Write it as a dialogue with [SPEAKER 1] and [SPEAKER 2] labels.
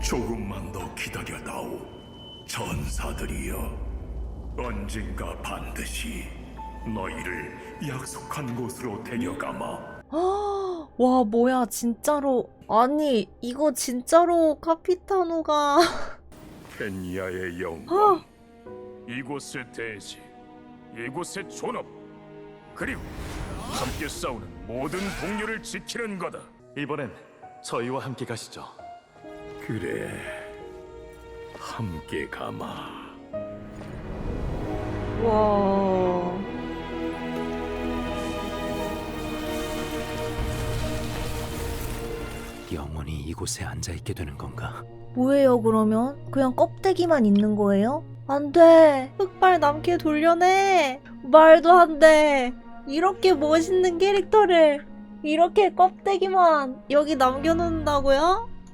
[SPEAKER 1] 조금만 더 기다려다오. 전사들이여. 언젠가 반드시 너희를 약속한 곳으로 데려가마.
[SPEAKER 2] 와, 뭐야, 진짜로. 아니, 이거 진짜로 카피타노가.
[SPEAKER 1] 펜니아의 영광,
[SPEAKER 3] 이곳의 대지, 이곳의 존엄, 그리고 함께 싸우는 모든 동료를 지키는 거다.
[SPEAKER 4] 이번엔 저희와 함께 가시죠.
[SPEAKER 1] 그래, 함께 가마.
[SPEAKER 2] 와.
[SPEAKER 5] 영원히 이곳에 앉아있게 되는 건가?
[SPEAKER 2] 뭐예요, 그러면? 그냥 껍데기만 있는 거예요? 안 돼. 흑발 남캐 돌려내. 말도 안 돼. 이렇게 멋있는 캐릭터를 이렇게 껍데기만 여기 남겨놓는다고요?